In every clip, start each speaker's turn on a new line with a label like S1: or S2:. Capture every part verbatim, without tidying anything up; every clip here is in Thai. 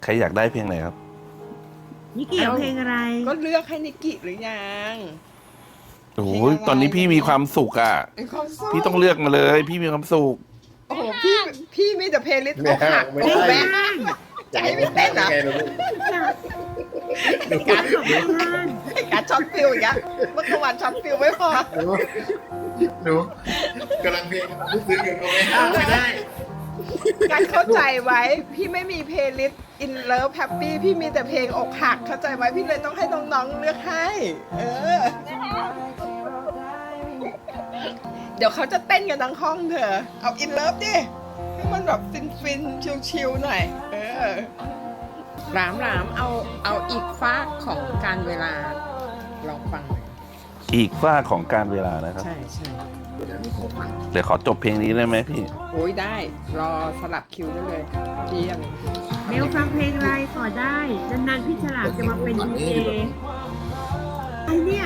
S1: ใครอยากได้เพลงไหนครับ
S2: นิกกี้เอาเพลงอะไร
S3: ก็เลือกให้นิกกี้หรือยัง
S1: โอ้ยตอนนี้พี่มีความสุขอ่ะ
S3: ไอ้ความสุข
S1: พี่ต้องเลือกมาเลย พี่มีความสุข
S3: โอ้โหพี่พี่มีแต่เพลย์ลิสต์อกหัก
S4: ไม่
S3: โอ้
S4: ได้
S3: แม่ใจไม่เต้นเหรอ
S4: ไงลูก
S3: การ
S2: บอกไม่ได้
S3: การช็อตฟิลอย่างเงี้ยเมื่อวานช็อตฟิลไม่พอ
S4: หนูหนูกำลังเพลงกำลังซึ้งอยู่หนูไม่ห้ามไม่ได้
S3: การเข้าใจไว้ พี่ไม่มีเพลย์ลิสต์ in love happy พี่มีแต่เพลงอกหักเข้าใจไว้พี่เลยต้องให้น้องๆเลือกให้ เออ เดี๋ยวเขาจะเต้นกันทั้งห้องเธอ เอา in love ดิให้มันแบบฟินฟินชิลชิลๆหน่อย เออหลามหลามเอาเอาอีกฟากของการเวลาลองฟังหน่อย
S1: อีกฝ้าของการเวลานะครับ
S3: ใช่ใช่
S1: เดี๋ยวขอจบเพลงนี้ได้ไหมพี่
S3: โอ้ยได้ รอสลับคิวได้เลยพี่ยัง
S2: เมลฟังเพลงอะไรขอได้นานๆพี่ฉลามจะมาเป็นดีเจไอเนี่ย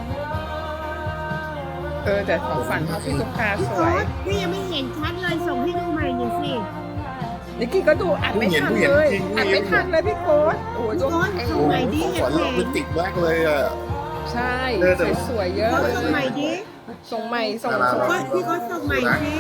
S3: เออแต่ของฝันของพี่ตุ๊กตา
S2: พี่
S3: ส
S2: โอ๊
S3: วย
S2: ตพี่ยังไม่เห็นชัดเลยส่งให้ดูใหม่หน่อยสิ
S3: นิกกี้ก็ดูอัดไม่ทันเลยอัดไม่ทันเลยพี่โค้ดโอ้ย
S2: พี่โอ๊ตส่งใหม่ดิ
S4: ขวัญ
S2: เพล
S4: เรา
S2: ง
S4: เป็นติดมากเลยอ่ะ
S3: ใช่
S4: เออแต่
S3: สวยๆเยอะ
S2: โอ๊ต
S3: เลย
S2: ส่งใหม่ดิ
S3: ส่งใหม่ส่ง
S4: อะไร
S3: ส่ง
S2: โอ๊ตพี่โอ๊ตส่งใหม่สิ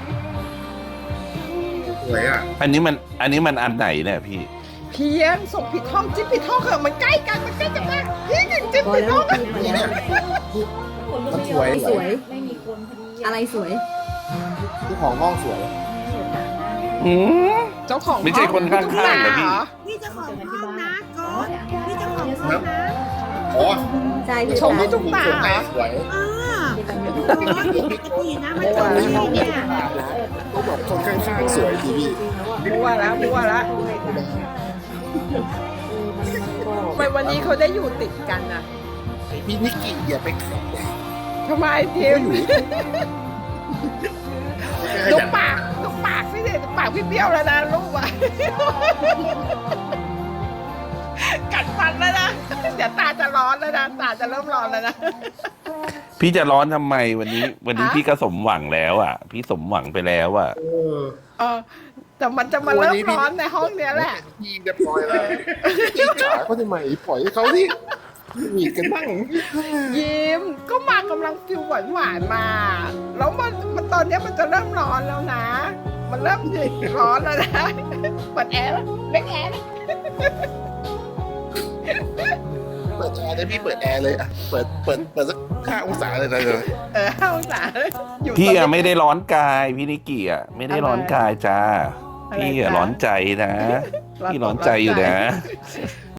S4: สวยอ่ะ
S1: อันนี้มันอันนี้มันอันไหนเนี่ยพี่
S3: เพียงส่งผิดห้องจิ๊บผิดห้องเหอะมันใกล้กันมันใกล้กันมากพี่หนึ่งจิ๊บผิดห้องอะ
S4: นี่เนี่ยมันสวย
S5: สวย อะไรสวย
S4: ที่ของห้องสวย
S1: อืม
S3: เจ้าของ
S1: ไม่ใช่คนข้างๆเหรอพี่
S2: พี่เจ้าของห้องนะโอ๊ตพี่เจ้าของห้องนะ
S4: อ๋อ
S5: ใช่พี่
S3: ชมให้ทุกตา
S4: สวย
S3: เหรอ
S4: สวย
S2: เออโอ๊ตปกตินะมันส่งให้เนี่ย
S4: ต้องบอกคนข้างๆสวยดีพี่
S3: มั่วแล้วมั่วแล้วทำไมวันนี้เขาได้อยู่ติดกันอะ
S4: พี่นิกกี้อย่าไปขับ
S3: ทำไมทีมดูปากดูปากพี่ดิดูปากพี่เบี้ยวแล้วนะลูกอะกัดฟันแล้วนะเดี๋ยวตาจะร้อนแล้วนะตาจะเริ่มร้อนแล้วนะ
S1: พี่จะร้อนทำไมวันนี้ วันนี้
S3: ฮะ
S1: พี่ก็สมหวังแล้วอ่ะ พี่สมหวังไปแล้วอ่ะ
S4: เออ
S3: เออแต่มันจะมาเริ่มร้อนในห้องเนี้ยแหละ
S4: พี่เรียบร้อยแล้วพี่ขาเขาทำไมปล่อยให้เขาที่มีกันบ้าง
S3: ยิ้มก็มากำลังฟิลหวานหวานๆมา แล้วมันมันตอนเนี้ยมันจะเริ่มร้อนแล้วนะ มันเริ่มร้อนแล้วนะเปิดแอร์แล้วเล็กแอร์นะ
S4: เปิดแอร์เลยพี่เปิดแอร์เลยอ่ะเปิดเปิดเปิดสักห้าองศาเลยนะเลย
S3: เออห้าองศาอยู่
S1: พี่
S3: ตร
S1: อะ
S3: ง
S1: ไม่ได้ร้อนกายพี่นิกกี้อะไม่ได้ร้อนกายจ้า
S3: อะไร
S1: พี่อะ
S3: จ๊ะ
S1: ร้อนใจนะ พี่ร้อนใจอยู่นะ
S3: เ